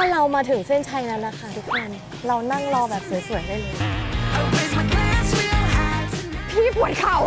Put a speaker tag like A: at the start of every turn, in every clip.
A: เรามาถึงเส้นชัยแล้วนะคะทุกคน เรานั่งรอแบบสวยๆได้เลย
B: พี่ปวดเข่า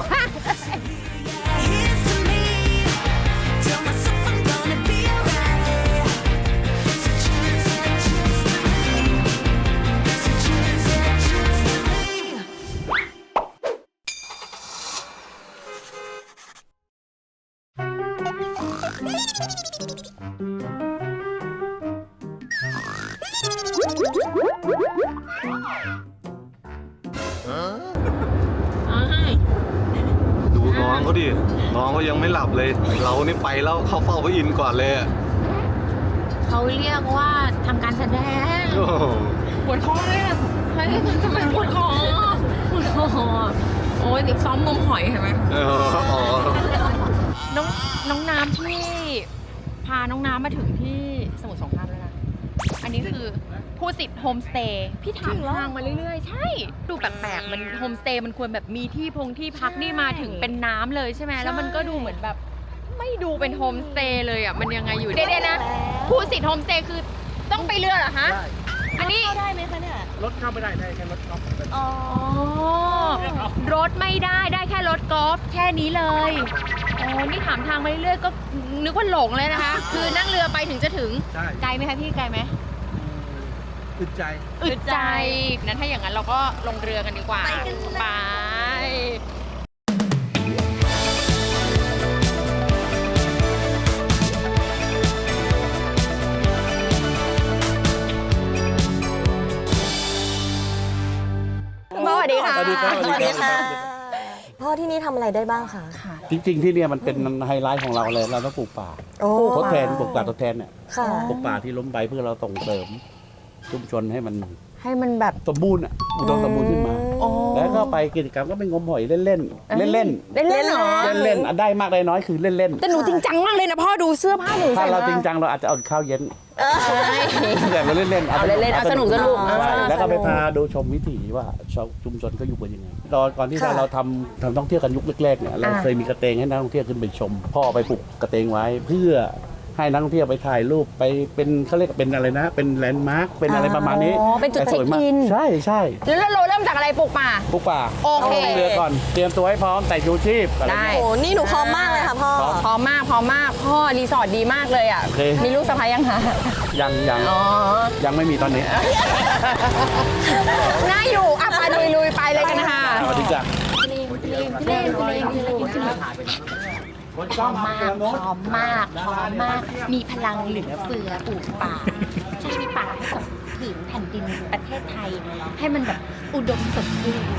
C: ดูน้องเขาดิ น้องเขายังไม่หลับเลย เรานี่ไปแล้วเข้าเฝ้าพระอินทร์ก่อนเลยอะ
B: เขาเรียกว่าทำการแสดง
C: โอ้โห
B: ปวดคอเลยอะเฮ้ยทำไมปวดคอปวดคอโอ้ยซ้อมงมหอยเห็นไหม
C: อ๋อ
B: น้องน้ำที่พาน้องน้ำมาถึงที่สมุทรสงครามแล้วนะ อันนี้คือผู้สิทธิ์โฮมสเตย์พี่ถามทางมาเรื่อยๆ ใช่ ดูแปลกๆมันโฮมสเตย์มันควรแบบมีที่พักนี่มาถึงเป็นน้ำเลยใช่ไหมแล้วมันก็ดูเหมือนแบบไม่ดูเป็นโฮมสเตย์เลยอ่ะมันยังไงอยู่เดี๋ยวนะผู้สิทธิ์โฮมสเตย์คือต้องไปเรือเหรอฮะอันนี้
A: เข้าได้ไหมคะเนี่ย
D: รถเข้าไม่ได้แค่รถเข้า
A: อ๋อ
B: รถไม่ได้แค่รถกอล์ฟแค่นี้เลยโอ้นี่ถามทางมาเรื่อยๆก็นึกว่าหลงเลยนะคะ คือนั่งเรือไปถึงจะถึง
D: ใช่
B: ไกลไหมคะพี่ไกลไหม
D: อึดใจ
B: อึดใจนั้นถ้าอย่างนั้นเราก็ลงเรือกันดีกว่า
A: ไปกันเลย
B: ไปสวัสดีค่ะ
D: สวัสดีครับ
A: สวัสดีค่ะพ่อที่นี่ทำอะไรได้บ้างคะ
D: จริงๆที่เนี่ยมันเป็นไฮไลท์ของเราเลยเราต้องปลูกป่า
A: โอ้
D: ทดแทนปลูกป่าทดแทนเนี่ย
A: ค่ะ
D: ปลูกป่าที่ล้มไปเพื่อเราส่งเสริมชุมชนให้มัน
B: ให้มันแบบ
D: สมบูรณ์อ่ะอุดมสมบูรณ์ขึ้นมา
B: โอ้
D: แล้วก็ไปกิจกรรมก็ไปงมหอยเล่นๆเล่นๆ
B: เล่นเหรอ
D: เล่นๆได้มากได้น้อยคือเล่น
B: แต่หนูจริงจังมากเลยนะพ่อดูเสื้อผ้าหนู
D: ๆถ้าเราจริงจังเราอาจจะเอาข้าวเย็น
B: ใช่
D: แต่เราเล่นๆ
B: เอาเล่นๆเอาสนุก
D: ใช่
B: อ่า
D: แล้วก็ไปพาดูชมวิถีว่าชาวชุมชนเขาอยู่กันยังไงก่อนที่เราทำท่องเที่ยวกันยุคแรกๆเนี่ยเราเคยมีกระเตงให้นักท่องเที่ยวขึ้นไปชม พ่อไปปลูกกระเตงไว้เพื่อให้นักท่องเที่ยวไปถ่ายรูปไปเป็นเขาเรียกเป็นอะไรนะ เป็นแลนด์มาร์คเป็นอะไรประมาณนี้
B: อ๋อเป็นจุดเช็คอิน
D: ใช่ใช่
B: แล้วเราเริ่มจากอะไรปลูกป่า
D: ปลูกป่า
B: โอเค
D: าเรือก่อนเตรียมตัวให้พร้อมใส่ชูชีพอะไร
B: ได้
D: เงี้ย
A: โอ้นี่หนูพร้อมมากเลยค่ะพ่อ
B: พร้อมมากพ่อรีสอร์ทดีมากเลยอ่ะ
D: โอเค
B: มีลูกสะใภ้ยังคะ
D: ยัง
B: อ๋อ
D: ยังไม่มีตอนนี้
B: น่าอยู่อ่ะไปลุยไปเลยกันนะคะ
D: สวัสดีจ้ะ
B: พร้อมมากมีพลังเหลือเฟือปลูกป่าช่วยมีป่าให้กับผืนแผ่นดินประเทศไทย ให้มันแบบอุดมสมบูรณ์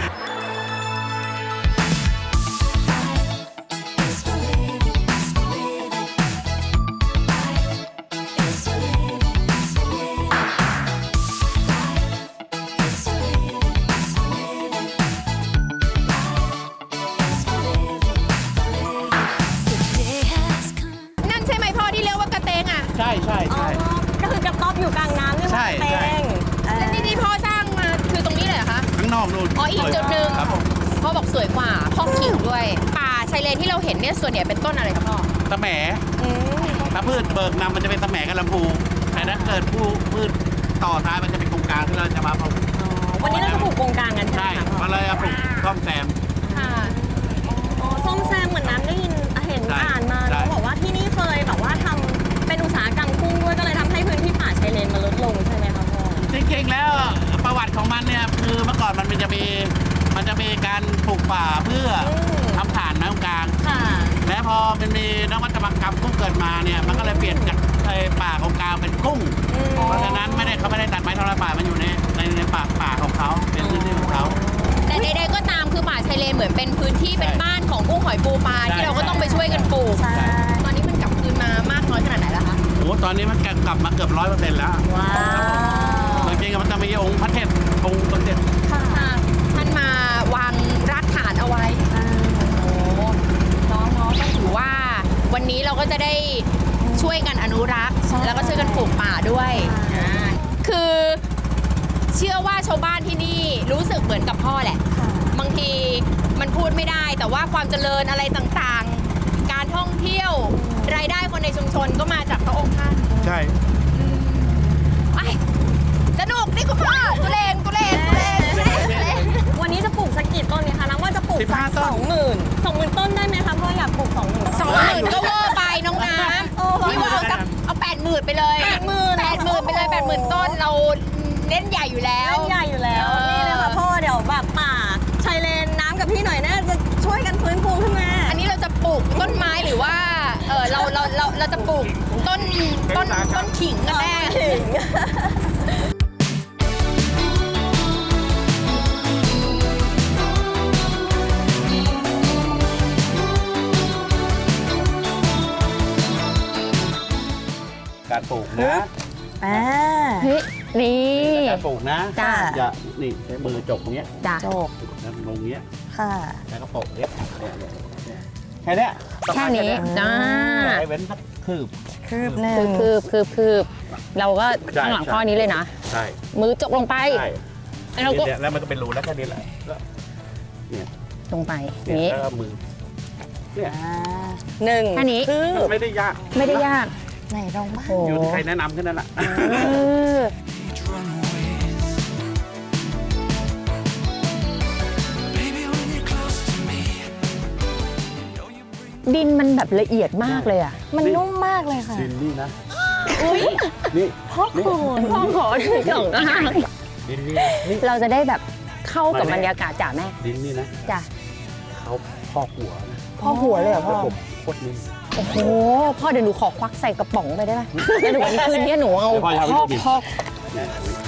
B: นั่นใช่ไหมพ่อที่เรียกว่ากระเตงอ่ะ
D: ใช่
A: ก็คือกระต๊อบอยู่กลางน้ำนี่
D: ใช่
A: มันเต็ง
B: แล้วที่พ่อสร้างมาคือตรงนี้เลยเหรอคะ
D: ข้างนอกนู่น
B: อ๋ออีกจุดหนึ่ง
D: ครับผม
B: พ่อบอกสวยกว่าพ่อขิงด้วย ป่าชายเลนที่เราเห็นเนี่ยส่วนใหญ่เป็นต้นอะไรครับพ่อ
D: ตะแหมถ้าพืชเบิกนำมันจะเป็นตะแหมกับลำพูแต่ถ้าเกิดพืชต่อท้ายมันจะเป็นโครงการที่เราจะมาปลูก
A: วันนี้เราจะปลูกโกงกลางกันใช่
D: ใช่
A: ไหมคะพ่อ
D: มาเลยเอาปลูกซ่อมแซม
B: ค่ะ
A: อ๋อส้มแซมเหมือนน้ำได้ยินเห็น
D: ใช่
A: อ่านมา
D: ใช่
A: เขาบอกว่าที่นี่เคยแบบว่าทำเป็นอุตสาหกรรมกุ้งด้วยก็เลยทำให้พื้นที่ป่าชายเลนมันลดลงใช่ไหมคะพ่อ
D: จริงๆแล้วประวัติของมันเนี่ยคือเมื่อก่อนมันจะมีการปลูกป่าเพื่อทำฐานไม้กลาง
A: ค่ะ
D: และพอมันมีนวัตกรรมกุ้งเกิดมาเนี่ยมันก็เลยเปลี่ยนจากป่าของกลางเป็นกุ้ง เพราะฉะนั้นเขาไม่ได้ตัดไม้ทำลายป่ามันอยู่ในป่าของเขาเป็นพื้นที่ของเขา
B: แต่ใดๆก็ตามคือป่าชายเลนเหมือนเป็นพื้นที่เป็นบ้านของกุ้งหอยปูปลา
D: ใช่
B: ที่เราก็ต้องไปช่วยกันปลูก
A: ใช่
B: ตอนนี้มันกลับคืนมามากน้อยขนาดไหนแล้วคะ
D: โอ้ตอนนี้มันกลับมาเกือบ100%แล้ว
A: ว้าว
D: จริงๆมันจะมีองค์พระเทพองค์สมเด็จ
A: ค่ะ
B: ท่านมาวางรากฐานเอาไว้โอ้น้องๆก็ถือว่าวันนี้เราก็จะได้ช่วยกันอนุรักษ์ แล้วก็ช่วยกันปลูกป่าด้วยคือเชื่อว่าชาวบ้านที่นี่รู้สึกเหมือนกับพ่อแหละ บางทีมันพูดไม่ได้แต่ว่าความเจริญอะไรต่างๆ การท่องเที่ยวรายได้คนในชุมชนก็มาจากพระองค์ท่าน
D: ใช่
B: ไอ้คุณพ่อตุเรน
A: วันนี้จะปลูกสักกี่ต้นเนี่ยคะน้ำว่าจะปลูกสัก
D: 15 ต้น
A: 20,000ต้นได้ไหมคะพ่ออยากปลูก 20,000
B: 20,000ก็เวอร์ไปน้องน้ำพี่ว่าเอา80,000ไปเลย 80,000ไปเลย 80,000 ต้นเราเล่นใหญ่อยู่แล้ว
A: เล่นใหญ่อยู่แล้วนี่เลยค่ะพ่อเดี๋ยวแบบป่าชายเลนน้ำกับพี่หน่อยน่าจะช่วยกันฟื้นฟูขึ้นมา
B: อันนี้เราจะปลูกต้นไม้หรือว่าเราจะปลูกต้นขิงกันแน่
D: การปลูกนะ
B: เฮ้ยนี่
D: การปลูกนะ
B: จ้า
D: อย่านี่ใช้มือจกตรงเนี้ย
B: จ้ะ
A: โจก
D: แล้วลงเงี้ย
A: ค่ะ
D: แล้วก็โปะเนี้ยแค่เนี้ย
B: แค่นี้จ้า
D: ไอ้เว้นสักคืบ
A: คืบหนึ่ง
B: คืบเราก็
D: ใช่
B: ข้างหลังข้อนี้เลยนะ
D: ใช่
B: มือจกลงไป
D: ใช่
B: เราก็
D: เนี่ยแล้วมันก็เป็นรูแล้วแค่นี้แหละแล้วเนี่ย
B: ลงไป
D: เนี่ย
B: นี้
D: แล้วก็มือเนี่ย
A: หนึ่ง
B: แค่นี้
A: คืบ
D: ไม่ได้ยาก
B: ไม่ได้ยาก
A: ไหนลองบ้าง
B: โอ้
D: อยู่ที่ใครแนะนำแค่นั้นแหละ
B: เออดินมันแบบละเอียดมากเลยอ่ะ
A: มันนุ่มมากเลยค่ะ
D: ดินนี่นะนี่
A: พ่อคุณ
B: พ่อขอถึงก่อนนะ
D: ดินนี่นะนี่
B: เราจะได้แบบเข้ากับบรรยากาศจ้ะแม่
D: ดินนี่นะ
B: จ้ะ
D: เขาพอกหัวนะ
A: พ่อหัวเลยเหรอ
D: แล้ว
A: พ่อ
D: ผมโคตรนิ่ม
B: โอ้โหพ่อเดี๋ยวหนูขอควักใส่กระป๋องไปได้ไหมแล้วเดี๋ยววันนี้คืนนี้หนูเอา
D: เดี๋ยวพ่อจะเอาไป
B: พ่อ
D: กิน
B: พ่อ
D: เนี่ย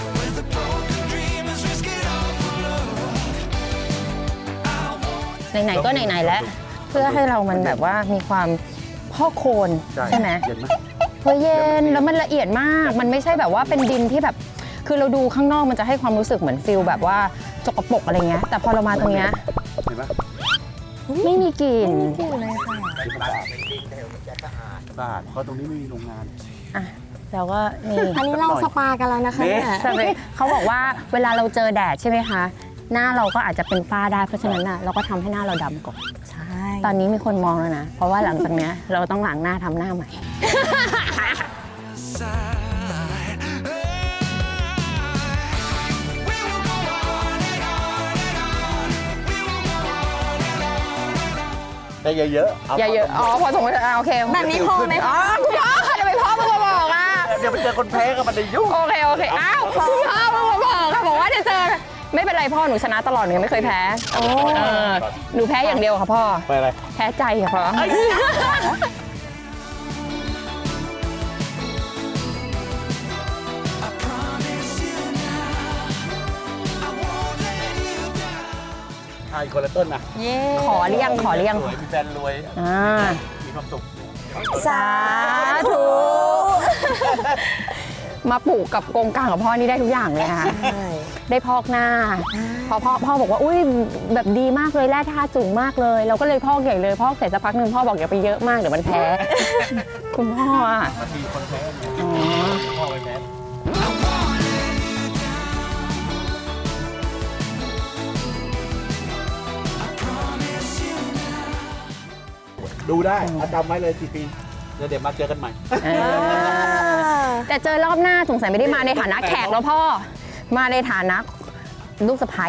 B: ไหนๆก็ไหนๆแล้ว เพื่อให้เรามันแบบว่ามีความพ่อโคนใช่ไหม
D: เย็นไหม
B: เพราะเย็นแล้วมันละเอียดมาก มันไม่ใช่แบบว่าเป็นดินที่แบบ คือเราดูข้างนอกมันจะให้ความรู้สึกเหมือนฟิลแบบว่าสกปรกอะไรเงี้ย แต่พอเรามาตรงเนี้ย
D: เห็นไหม
B: ไม่มีกลิ่น
A: อยู่เลยค่ะ
D: สะอาดเพราะตรงนี้ไม่มีโรงงาน
B: อ่ะเราก็นี่
A: อันนี้เราสปากันแล้วนะคะเนี่ย
B: สเปรย์เขาบอกว่าเวลาเราเจอแดดใช่ไหมคะ หน้าเราก็อาจจะเป็นฝ้าได้ เพราะฉะนั้นน่ะเราก็ทำให้หน้าเราดำก่อน
A: ใช่
B: ตอนนี้มีคนมองแล้วนะ เพราะว่าหลังจากเนี้ยเราต้องล้างหน้าทำหน้าใหม่
D: ได้เยอะๆ
B: อย่าเยอะอ๋อพอสมมติโอเค
A: แบบนี้พอไหม
B: อ๋อ
A: คะ
B: คุณพ่อทำไมพ่อเพิ่งมาบอกอ่ะ
D: เดี๋ยวไปเจอคนแพ้ก็มันได้ยุ่ง
B: โอเคอ้าวคุณพ่อเพิ่งมาบอกค่ะบอกว่าเดี๋ยวเจอไม่เป็นไรพ่อหนูชนะตลอดหนูยังไม่เคยแพ้เออหนูแพ้อย่างเดียวค่ะพ่อ
D: ไปอะไร
B: แพ้ใจค่ะพ่อ
D: ทายคนละต้นนะ
A: เย้
B: ขอเรียง
D: สวยมีแฟนรวย
B: อ่า
D: มีความสุข
A: สาธุ
B: มาปลูกกับโกงกลางกับพ่อนี่ได้ทุกอย่างเลยค่ะ
A: ใช่
B: ได้พอกหน้าพอพ่อบอกว่าอุ้ยแบบดีมากเลยแร่ธาตุสูงมากเลย เราก็เลยพอกใหญ่เลยพอกเสร็จสักพักหนึ่งพ่อบอกอย่าไปเยอะมากเดี๋ยวมันแพ้ คุณพ่ออ่ะ
D: บางทีคนแพ้เนี่ย
B: อ๋อ
D: พ่อไปแพ้ดูได้จำไว้เลย4 ปีเดี๋ยวมาเจอกันใหม่
B: เออแต่เจอรอบหน้าสงสัยไม่ได้มาในฐานะแขกแล้วพ่อ มาในฐานะลูกสะใภ้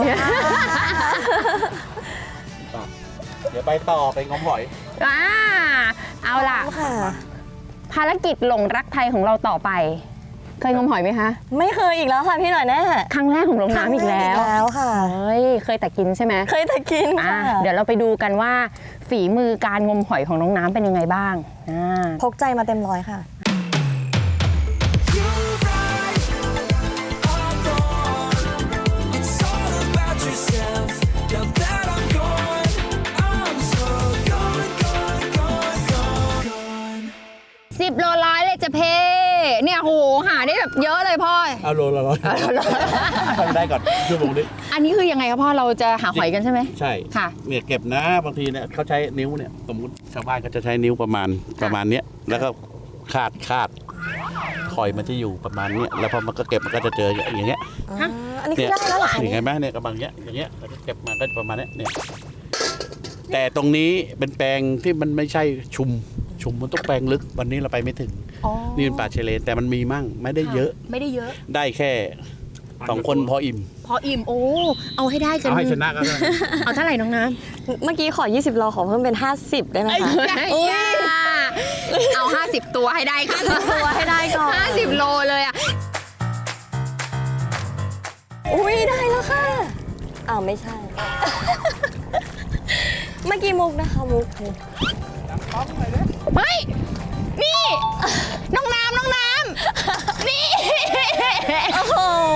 D: เดี๋ยวไปต่อไปงมหอย
B: อ่าเอาล่ะ
A: ค่ะ
B: ภารกิจหลงรักไทยของเราต่อไป เคยงมหอยไหมคะ
A: ไม่เคยอีกแล้วค่ะพี่หน่อยแน่
B: ครั้งแรกของลงน้ำอีกแล้ว
A: แล้วค่ะ
B: เฮ้ยเคยแต่กินใช่ไหม
A: เคยแต่กิน
B: อ่ะ
A: ค่ะ
B: เดี๋ยวเราไปดูกันว่า ฝีมือการงมหอยของน้องน้ำเป็นยังไงบ้างอ่า
A: พกใจมาเต็มร้อยค่ะ
B: 10 โลร้อยเลยจะเพเนี่ยโหหาได้แบบเยอะเลยพ่อ
D: เอาโลละร้อยทำได้ก่อนชั่วโมงนี้
B: อันนี้คือยังไงครับพ่อเราจะหาหอยกันใช่ไหม
D: ใช่
B: ค่ะ
D: เนี่ยเก็บนะบางทีเนี่ยเขาใช้นิ้วเนี่ยสมมติชาวบ้านก็จะใช้นิ้วประมาณเนี้ยแล้วก็คาดหอยมันจะอยู่ประมาณเนี้ยแล้วพอมันก็เก็บมันก็จะเจออย่างเงี้ย
A: อันนี้คือได้แล้วเหรอคะ
D: เห็นไหมเนี่ยกำลังเงี้ยอย่างเงี้ยเราจะเก็บมาก็ประมาณเนี้ยเนี่ยแต่ตรงนี้เป็นแปลงที่มันไม่ใช่ชุมมันต้องแปลงลึกวันนี้เราไปไม่ถึง
B: อ๋อ
D: นี่เป็นป่าชายเลนแต่มันมีมั่งไม่ได้เยอะ
B: ไม่ได้เยอะ
D: ได้แค่ 2 คนพออิ่ม
B: พออิ่มโอ้เอาให้ได้กัน
D: เอาให้ชนะก็ได้
B: เอาเท่าไหร่น้องน้
A: เมื่อกี้ขอ 20 โลขอเพิ่มเป็น 50 ได้ไหมคะ
B: ำเอา 50 ตัวให้ได้ค่ะ
A: ตัวให้ได้ก่อน
B: 50 โลเลยอ่ะ
A: อุ้ยได้แล้วค่ะอ้าวไม่ใช่ เมื่อกี้มุกนะคะมุก
B: เฮ้ย นี่ น้องน้ำนี่
A: โอ้โห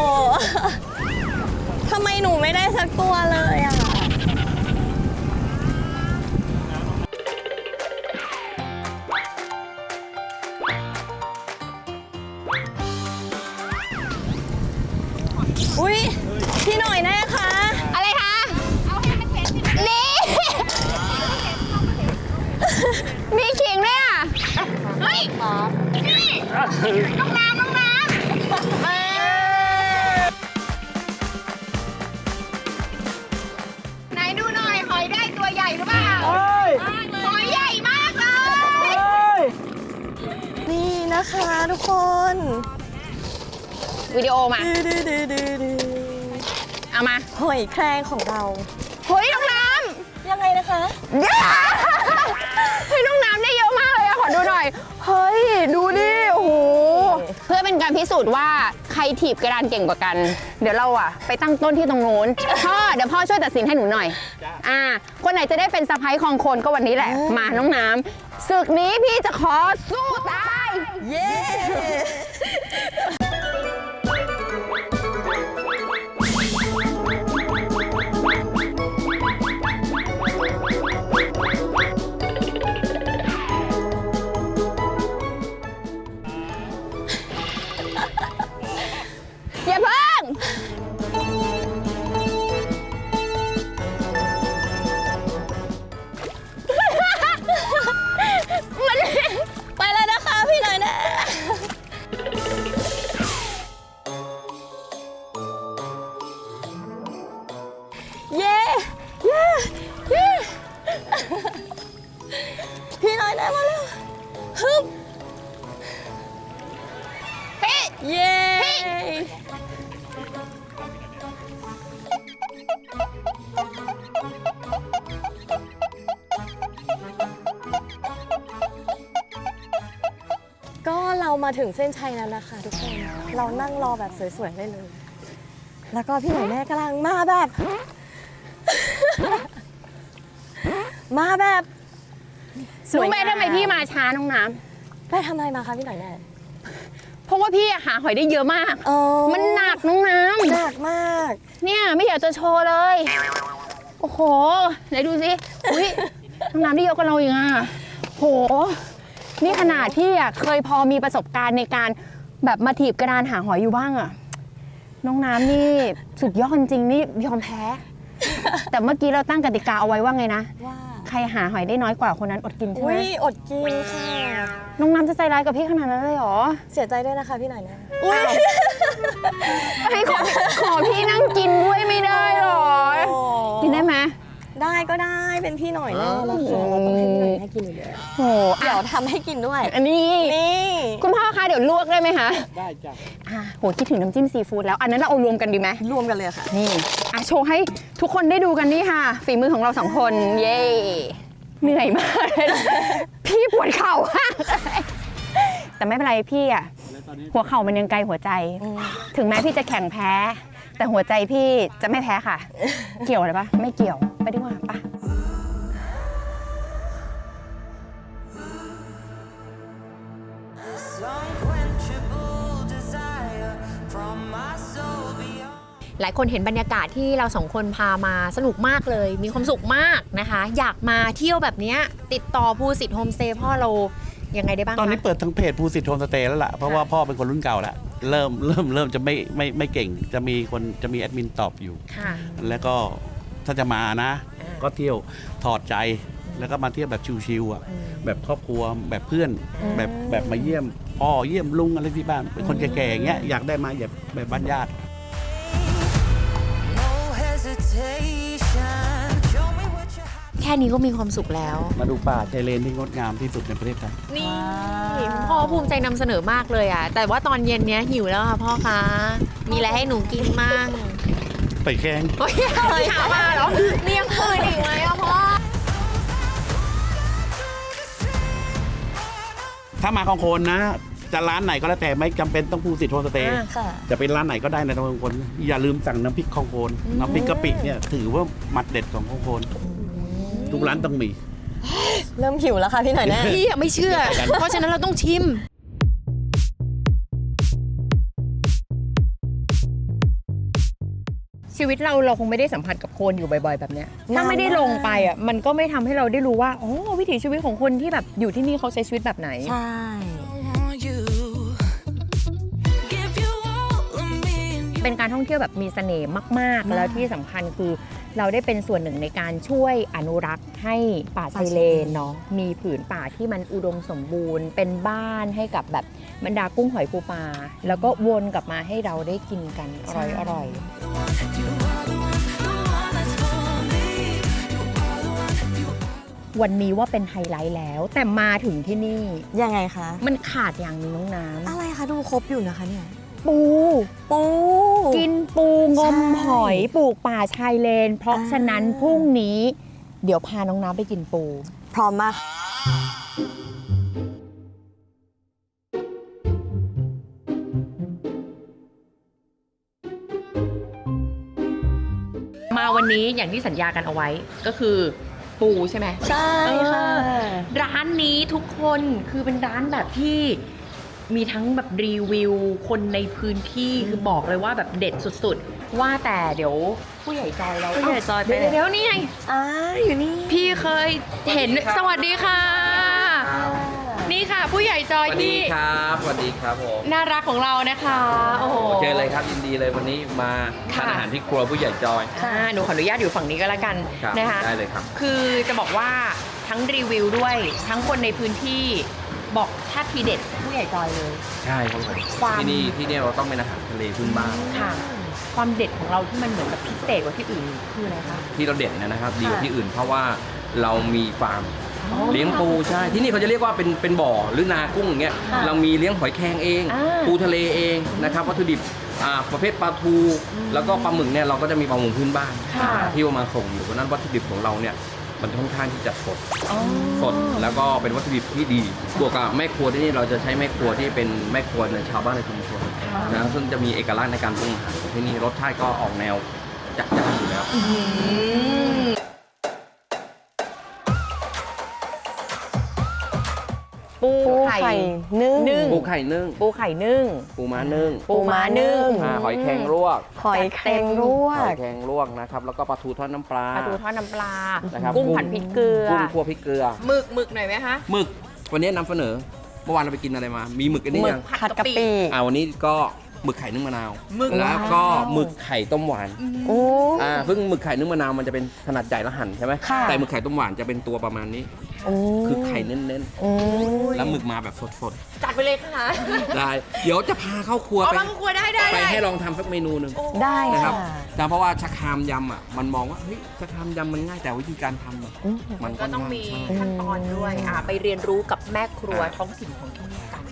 A: ทำไมหนูไม่ได้สักตัวเลยอ่ะ อุ้ยพี่หน่อยแน่คะ
B: อะไรคะ นี่ มีขิงด้วยอ่ะ เฮ้ย นี่ น้องน้ำไหนดูหน่อย หอยได้ตัวใหญ่หรือเปล่าหอยใหญ่มากเลย
A: นี่นะคะทุกคน
B: วิดีโอมา
A: ดื้อ
B: เอามา
A: หอยแครงของเรา
B: เฮ้ยน้องน้
A: ยังไงนะคะ
B: ำเฮ้ยน้องน้ำได้เยอะมากเลยอะขอดูหน่อย เฮ้ย ดูดิ โอ้โห เพื่อเป็นการพิสูจน์ว่าใครถีบกระดานเก่งกว่ากัน เดี๋ยวเราอะไปตั้งต้นที่ตรงโน้น พ่อ เดี๋ยวพ่อช่วยตัดสินให้หนูหน่อย คนไหนจะได้เป็นสะพ้ายครองโคนก็วันนี้แหละ มาน้องน้ำศึกนี้พี่จะขอสู้ตาย
A: เย้
B: อย่าเพิ่ง
A: ไปแล้วนะคะพี่หน่อยนะ เย้พี่หน่อยนะมาแล้วฮึบ
B: พี่
A: เย้ ก็เรามาถึงเส้นชัยแล้วนะคะทุกคน เรานั่งรอแบบสวยๆได้เลย แล้วก็พี่หน่อยแม่กำลังมาแบบ มาแบบ
B: รู้ไหมทำไมพี่มาช้าน้องน้
A: ไปทำอะไรมาคะพี่หน่อยแม่
B: ำเพราะว่าพี่อะหาหอยได้เยอะมาก
A: อ๋อ
B: มันหนักน้องน้ำ
A: หนักมาก
B: เนี่ยไม่อยากจะโชว์เลย โอ้โห ไหนดูสิ อุ้ยน้องน้ำได้เยอะกว่าเราอีกอ่ะโห นี่ขนาดที่อ่ะเคยพอมีประสบการณ์ในการแบบมาถีบกระดานหาหอยอยู่บ้างอ่ะ น้องน้ำนี่สุดยอดจริงนี่ยอมแพ้ แต่เมื่อกี้เราตั้งกติกาเอาไว้ว่าไงนะ
A: ว่า
B: ใครหาหอยได้น้อยกว่าคนนั้นอดกินใช่ไห
A: อุ้
B: ม
A: ยอดกินค่ะ
B: น้องน้ำจะใจร้ายกับพี่ขนาดนั้นเลยเหรอ
A: เสียใจด้วยนะคะพี่หน่อยแม่อุ้ย
B: พี่ขอพี่นั่งกินด้วยไม่ได้หรอ กินได้ไหม
A: ได้ก็ได้เป็นพี่หน่อยแน่แล้วค่ะเราต้องให้พี่หน่อยแม่กินอยู่แล้ว
B: โห
A: เดี๋ยวทำให้กินด้วย
B: อันนี้
A: นี่
B: คุณพ่อคะเดี๋ยวลวกได้ไหมคะ
D: ได้จ้ะ
B: โหคิดถึงน้ำจิ้มซีฟู้ดแล้ว อันนั้นเราเอารวมกันดีไหม
A: รวมกันเลยค่ะ
B: นี่โชว์ให้ทุกคนได้ดูกันนี่ค่ะ ฝีมือของเราสองคน เย้เหนื่อยมากเลยนะพี่ปวดเข่า แต่ไม่เป็นไรพี่อะหัวเข่ามันยังไกลหัวใจ ถึงแม้พี่จะแข่งแพ้ แต่หัวใจพี่จะไม่แพ้ค่ะ เกี่ยวอะไรปะไม่เกี่ยวไปดีกว่าปะ
E: หลายคนเห็นบรรยากาศที่เราสองคนพามาสนุกมากเลย มีความสุขมากนะคะ อยากมาเที่ยวแบบเนี้ยติดต่อภูสิทธิ์โฮมสเตย์พ่อเรายังไงได้บ้างคะ
D: ตอนนี้เปิดทั้งเพจภูสิทธิ์โฮมสเตย์แล้วล่ะ เพราะว่าพ่อเป็นคนรุ่นเก่าแล้ว เริ่มจะไม่เก่ง จะมีแอดมินตอบอยู่
E: ค่ะ
D: แล้วก็ถ้าจะมานะ ก็เที่ยวถอดใจ แล้วก็มาเที่ยวแบบชิวๆอ่ะ แบบครอบครัวแบบเพื่อน แบบมาเยี่ยมพ่อเยี่ยมลุงอะไรที่บ้าน เป็นคนแก่ๆอย่างเงี้ยอยากได้มาแบบบ้านญาติ
B: แ
E: ค่นี้ก็มีความสุขแล้ว
D: มาดูป่าชายเลนที่งดงามที่สุดในประเทศไทย
E: นี่คุณพ่อภูมิใจนำเสนอมากเลยอ่ะ แต่ว่าตอนเย็นเนี้ยหิวแล้วค่ะพ่อคะมีอะไรให้หนูกินมั่ง
D: ไปแกง
E: โอ้ยหามาเหรอมียังคืนอีกไหมอ่ะพ่อ
D: ถ้ามาของโคนนะ จะร้านไหนก็แล้วแต่ไม่จำเป็นต้องภูสิทธิ์โฮมสเตย์
A: ค่ะ
D: จะเป็นร้านไหนก็ได้ในตำบลคองโคนอย่าลืมสั่งน้ำพริกคองโคนน้ำพริกกะปิเนี่ยถือว่าหมัดเด็ดของคองโคนทุกร้านต้องมี
A: เริ่มหิวแล้วค่ะพี่หน่อยแน่
E: พี่อะไม่เชื่อ เพราะฉะนั้นเราต้องชิม
B: ชีวิตเราคงไม่ได้สัมผัสกับโคลนอยู่บ่อยๆแบบเนี้ยถ้าไม่ได้ลงไปอ่ะมันก็ไม่ทำให้เราได้รู้ว่าอ๋อวิถีชีวิตของคนที่แบบอยู่ที่นี่เขาใช้ชีวิตแบบไหน
A: ใช่
B: เป็นการท่องเที่ยวแบบมีเสน่ห์มากๆ แล้วที่สำคัญคือเราได้เป็นส่วนหนึ่งในการช่วยอนุรักษ์ให้ป่าชายเลนเนาะมีผืนป่าที่มันอุดมสมบูรณ์ เป็นบ้านให้กับแบบบรรดากุ้งหอยปูปลาแล้วก็วนกลับมาให้เราได้กินกันอร่อยวันนี้ว่าเป็นไฮไลท์แล้ว แต่มาถึงที่นี่
A: ยังไงคะ
B: มันขาดอย่างหนึงน้องน้ำ
A: อะไรคะดูครบอยู่นะคะเนี่ย
B: ปู
A: ปู
B: กินปูงม
A: ใช่
B: หอยปลูกป่าชายเลน เพราะฉะนั้นพรุ่งนี้ เดี๋ยวพาน้องน้ำไปกินปู
A: พร้อมมาก
B: มาวันนี้อย่างที่สัญญากันเอาไว้ก็คือปูใช่ไหม
A: ใช่ค่ะ
B: ร้านนี้ทุกคนคือเป็นร้านแบบที่มีทั้งแบบรีวิวคนในพื้นที่คือบอกเลยว่าแบบเด็ดสุดๆ ว่าแต่เดี๋ยวผู้ใหญ่จอยเรา
A: ผู้ใหญ่จอยไปไหน
B: เดี๋ยวนี่ไง
A: อยู่นี่
B: พี่เคยเห็นสวัสดีค่ะ นี่ค่ะ ผู้ใหญ่จอย
F: สวัสดี
B: ที่
F: ครับ สวัสดีครับผม
B: น่ารักของเรานะคะโอ้โห
F: เจอเลยครับยินดีเลยวันนี้มาทาน
B: ค่ะ
F: อาหารที่ครัวผู้ใหญ่จอย
B: หนูขออนุญาตอยู่ฝั่งนี้ก็แล้วกัน
F: ครับ
B: นะคะ
F: ได้เลยครับ
B: คือจะบอกว่าทั้งรีวิวด้วย ทั้งคนในพื้นที่บอกถ้าทีเด็ดผู้ใหญ่จอยเลย
F: ใช่ครับผม
B: ความ
F: ที่นี่เราต้องเป็นอาหารทะเลพื้นบ้าน
B: ค่ะ ความเด็ดของเราที่มันเหมือนแบบพิเศษกว่าที่อื่นคืออะไรคะ
F: ที่เราเด่นนะครับ ดีกว่าที่อื่น เพราะว่าเรามีฟาร์ม
B: อ๋อ
F: เลี้ยงปูใช่ ที่นี่เขาจะเรียกว่าเป็นบ่อหรือนากุ้งอย่างเงี้ย
B: ค่ะ
F: เรามีเลี้ยงหอยแครงเอง
B: อ่า
F: ปูทะเลเองนะครับวัตถุดิบประเภทปลาทู แล้วก็ปลาหมึกเนี่ยเราก็จะมีปลาหมึกพื้นบ้าน
B: ค่ะ
F: ที่เอามาส่งอยู่เพราะฉะนั้นวัตถุดิบของเราเนี่ยมันค่อนข้างที่จะสด
B: อ๋อ
F: สดแล้วก็เป็นวัตถุดิบที่ดีบวกกับแม่ครัวที่นี่เราจะใช้แม่ครัวที่เป็นแม่ครัวในชาวบ้านในชุมชนนะซึ่งจะมีเอกลักษณ์ในการปรุงอาหารของที่นี่รสชาติก็ออกแนวจัดจ้านอยู่แล้ว
B: ปู
A: ปู
B: ไข่
A: ไข่นึ่ง
B: นึ่ง
F: ปูไข่นึ่ง
B: ปูไข่นึ่ง
F: ปูม้านึ่ง
B: ปูม้านึ่ง
F: หอยแครงลวก
A: หอยแครงลว
F: หอก ยแครงลวกนะครับแล้วก็ปลาทูทอดน้ำปลา
B: ปลาทูทอดน้ำปลา
F: นะครับ
B: กุ้งผัดพริกเกลือ
F: กุ้งคั่วพริกเกลือ
B: หมึกหน่อยไหมคะ
F: หมึกวันนี้นำเสนอเมื่อวานเราไปกินอะไรมา มีหมึกอันนี้
A: หมึก
F: ยัง
A: ผัดกะปิ
F: วันนี้ก็หมึกไข่นึ่งมะนาว
B: หมึก
F: แล้วก็หมึกไข่ต้มหวาน
A: โอ้
F: ซึ่งหมึกไข่นึ่งมะนาวมันจะเป็นขนาดใหญ่และหั่นใช่ไหม
A: ค่ะ
F: แต่หมึกไข่ต้มหวานจะเป็นตัวประมาณนี้
A: โอ้
F: คือไข่เน้น
A: อืม
F: ๆ แล้วหมึกมาแบบสด
B: จัดไปเลยค่ะ
F: ๆ ได้ เดี๋ยวจะพาเข้าครัว
B: เอา
F: ไป
B: บางครัวได้
F: ไปให้ลองทำสักเมนูหนึ่ง
A: ได้
F: นะครับ
A: ค่ะ
F: แต่เพราะว่าชะครามยำอ่ะมันมองว่าเฮ้ยชะครามยำมันง่ายแต่วิธีการทำอะ
A: อืม
F: มัน
B: ก็ต้องมีขั้นตอนด้วยไปเรียนรู้กับแม่ครัวท้องถิ่นของที่นี่กัน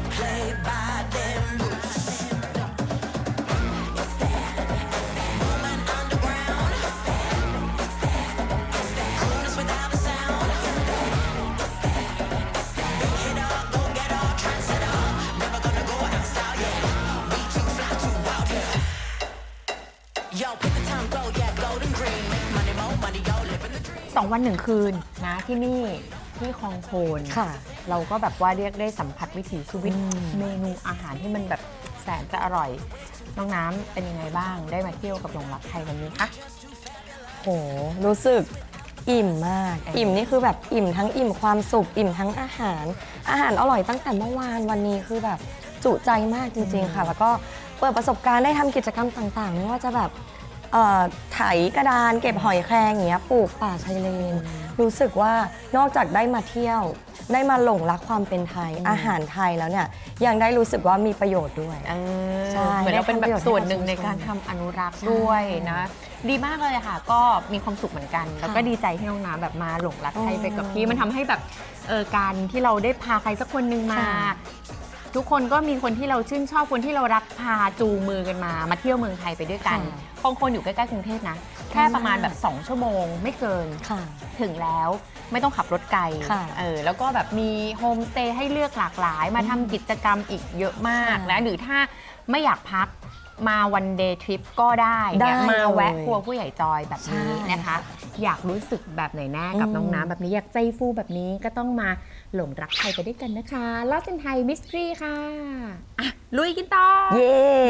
B: 2 วัน 1 คืนนะที่นี่ที่คลองโคน
A: ค่ะ
B: เราก็แบบว่าเรียกได้สัมผัสวิถีชีวิตเมนูอาหารที่มันแบบแสนจะอร่อย น้องน้ำเป็นยังไงบ้างได้มาเที่ยวกับหลงรักไทยวันนี้คะ
A: โห รู้สึกอิ่มมาก อิ่มนี่คือแบบอิ่มทั้งอิ่มความสุข อิ่มทั้งอาหาร อาหารอร่อยตั้งแต่เมื่อวานวันนี้คือแบบจุใจมากจริงๆค่ะ แล้วก็เปิดประสบการณ์ได้ทำกิจกรรมต่างๆ ไม่ว่าจะแบบไถกระดานเก็บหอยแครงอย่างเงี้ยปลูกป่าชายเลน รู้สึกว่านอกจากได้มาเที่ยว ได้มาหลงรักความเป็นไทย อาหารไทยแล้วเนี่ยยังได้รู้สึกว่ามีประโยชน์ด้วย ใช่
B: เหมือนเราเป็นแบบส่วนหนึ่งในการ
A: ได้ทำ
B: ทำอนุรักษ์ด้วยนะ
E: ดีมากเลยค่ะก็มีความสุขเหมือนกัน แล้วก็ดีใจที่น้องน้ำแบบมาหลงรักใครไปกับพี่มันทำให้แบบการที่เราได้พาใครสักคนหนึ่งมา ทุกคนก็มีคนที่เราชื่นชอบคนที่เรารักพาจูงมือกันมาเที่ยวเมืองไทยไปด้วยกันบางคนอยู่ใกล้ๆกรุงเทพนะแค่ประมาณแบบ2 ชั่วโมงไม่เกิน
A: ค่ะ
E: ถึงแล้วไม่ต้องขับรถไกล
A: ค่ะ
E: แล้วก็แบบมีโฮมสเตย์ให้เลือกหลากหลายมาทำกิจกรรมอีกเยอะมากนะหรือถ้าไม่อยากพักมาวันเดย์ทริปก็ได้เนี่ยมาแวะครัวผู้ใหญ่จอยแบบนี้นะคะ อยากรู้สึกแบบไหนแน่กับน้องน้ำแบบนี้อยากใจฟูแบบนี้ก็ต้องมาหลงรักไทยไปด้วยกันนะคะ Lost in Thai Mystery ค่ะอ่ะลุยกันต่อ
A: เย้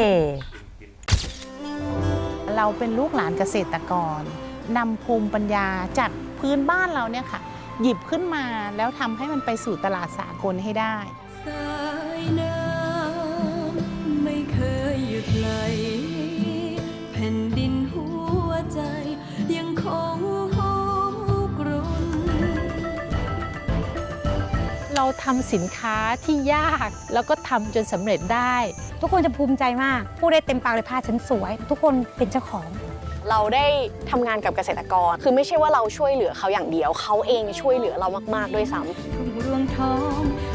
G: เราเป็นลูกหลานเกษตรกรนำภูมิปัญญาจากพื้นบ้านเราเนี่ยค่ะ หยิบขึ้นมาแล้วทำให้มันไปสู่ตลาดสากลให้ได้
H: สายน้ำไม่เคยหยุดไหลแผ่นดินหัวใจยังคงหอมกรุ่น
G: เราทำสินค้าที่ยากแล้วก็ทำจนสำเร็จได้
I: ทุกคนจะภูมิใจมากพูดได้เต็มปากเลยผ้าฉันสวย ทุกคนเป็นเจ้าของ
J: เราได้ทำงานกับเกษตรกร คือไม่ใช่ว่าเราช่วยเหลือเขาอย่างเดียว เขาเองช่วยเหลือเรามากๆด้วยซ้ำ
H: ทุ่งรวงทอง